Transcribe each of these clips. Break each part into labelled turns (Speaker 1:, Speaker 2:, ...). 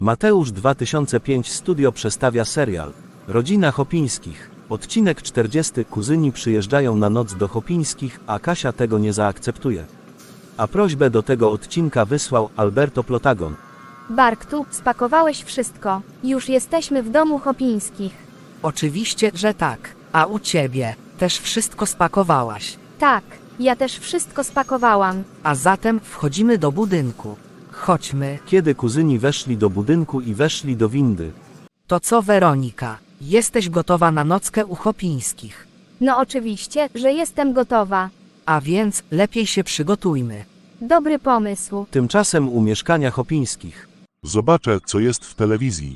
Speaker 1: Mateusz 2005 Studio przedstawia serial Rodzina Chopińskich. Odcinek 40. Kuzyni przyjeżdżają na noc do Chopińskich, a Kasia tego nie zaakceptuje. A prośbę do tego odcinka wysłał Alberto Plotagon.
Speaker 2: Bartku, spakowałeś wszystko. Już jesteśmy w domu Chopińskich.
Speaker 3: Oczywiście, że tak. A u ciebie też wszystko spakowałaś.
Speaker 2: Tak, ja też wszystko spakowałam.
Speaker 3: A zatem wchodzimy do budynku. Chodźmy.
Speaker 1: Kiedy kuzyni weszli do budynku i weszli do windy.
Speaker 3: To co, Weronika? Jesteś gotowa na nockę u Chopińskich?
Speaker 2: No oczywiście, że jestem gotowa.
Speaker 3: A więc lepiej się przygotujmy.
Speaker 2: Dobry pomysł.
Speaker 1: Tymczasem u mieszkania Chopińskich.
Speaker 4: Zobaczę, co jest w telewizji.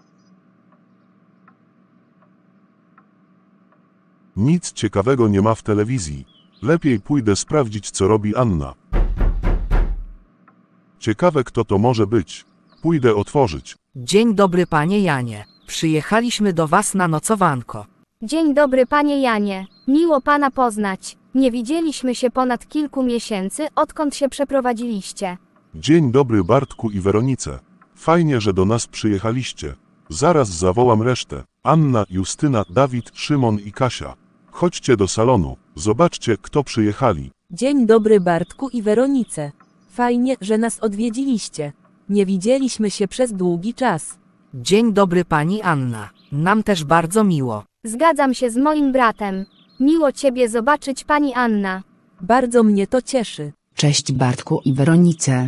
Speaker 4: Nic ciekawego nie ma w telewizji. Lepiej pójdę sprawdzić, co robi Anna. Ciekawe, kto to może być. Pójdę otworzyć.
Speaker 3: Dzień dobry, panie Janie. Przyjechaliśmy do was na nocowanko.
Speaker 2: Dzień dobry, panie Janie. Miło pana poznać. Nie widzieliśmy się ponad kilku miesięcy, odkąd się przeprowadziliście.
Speaker 4: Dzień dobry, Bartku i Weronice. Fajnie, że do nas przyjechaliście. Zaraz zawołam resztę. Anna, Justyna, Dawid, Szymon i Kasia. Chodźcie do salonu. Zobaczcie, kto przyjechali.
Speaker 5: Dzień dobry, Bartku i Weronice. Fajnie, że nas odwiedziliście. Nie widzieliśmy się przez długi czas.
Speaker 3: Dzień dobry, pani Anna. Nam też bardzo miło.
Speaker 2: Zgadzam się z moim bratem. Miło ciebie zobaczyć, pani Anna.
Speaker 5: Bardzo mnie to cieszy.
Speaker 6: Cześć Bartku i Weronice.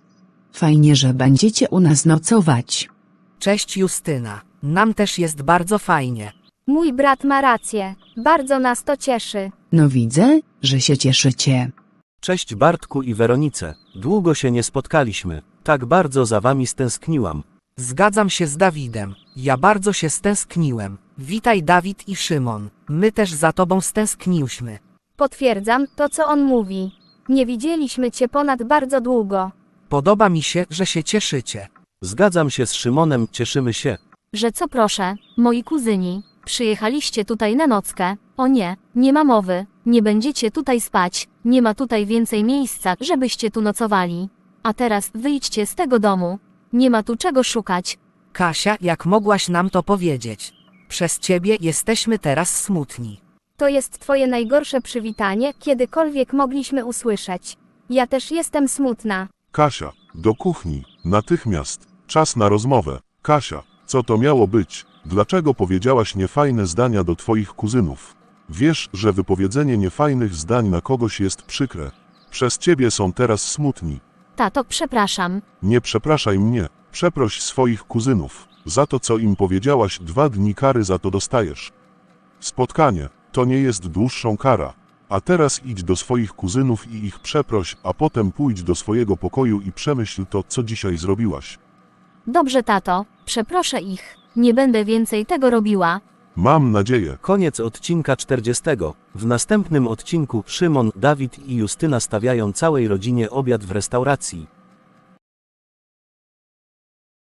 Speaker 6: Fajnie, że będziecie u nas nocować.
Speaker 3: Cześć, Justyna. Nam też jest bardzo fajnie.
Speaker 2: Mój brat ma rację. Bardzo nas to cieszy.
Speaker 6: No widzę, że się cieszycie.
Speaker 1: Cześć Bartku i Weronice. Długo się nie spotkaliśmy. Tak bardzo za wami stęskniłam.
Speaker 3: Zgadzam się z Dawidem. Ja bardzo się stęskniłem. Witaj, Dawid i Szymon. My też za tobą stęskniłyśmy.
Speaker 2: Potwierdzam to, co on mówi. Nie widzieliśmy cię ponad bardzo długo.
Speaker 3: Podoba mi się, że się cieszycie.
Speaker 1: Zgadzam się z Szymonem, cieszymy się.
Speaker 7: Że co proszę, moi kuzyni, przyjechaliście tutaj na nockę? O nie, nie ma mowy, nie będziecie tutaj spać, nie ma tutaj więcej miejsca, żebyście tu nocowali. A teraz wyjdźcie z tego domu. Nie ma tu czego szukać.
Speaker 3: Kasia, jak mogłaś nam to powiedzieć? Przez ciebie jesteśmy teraz smutni.
Speaker 2: To jest twoje najgorsze przywitanie, kiedykolwiek mogliśmy usłyszeć. Ja też jestem smutna.
Speaker 4: Kasia, do kuchni. Natychmiast. Czas na rozmowę. Kasia, co to miało być? Dlaczego powiedziałaś niefajne zdania do twoich kuzynów? Wiesz, że wypowiedzenie niefajnych zdań na kogoś jest przykre. Przez ciebie są teraz smutni.
Speaker 7: Tato, przepraszam.
Speaker 4: Nie przepraszaj mnie. Przeproś swoich kuzynów. Za to, co im powiedziałaś, 2 dni kary za to dostajesz. Spotkanie to nie jest dłuższą kara. A teraz idź do swoich kuzynów i ich przeproś, a potem pójdź do swojego pokoju i przemyśl to, co dzisiaj zrobiłaś.
Speaker 7: Dobrze, tato, przeproszę ich. Nie będę więcej tego robiła.
Speaker 4: Mam nadzieję.
Speaker 1: Koniec odcinka 40. W następnym odcinku Szymon, Dawid i Justyna stawiają całej rodzinie obiad w restauracji.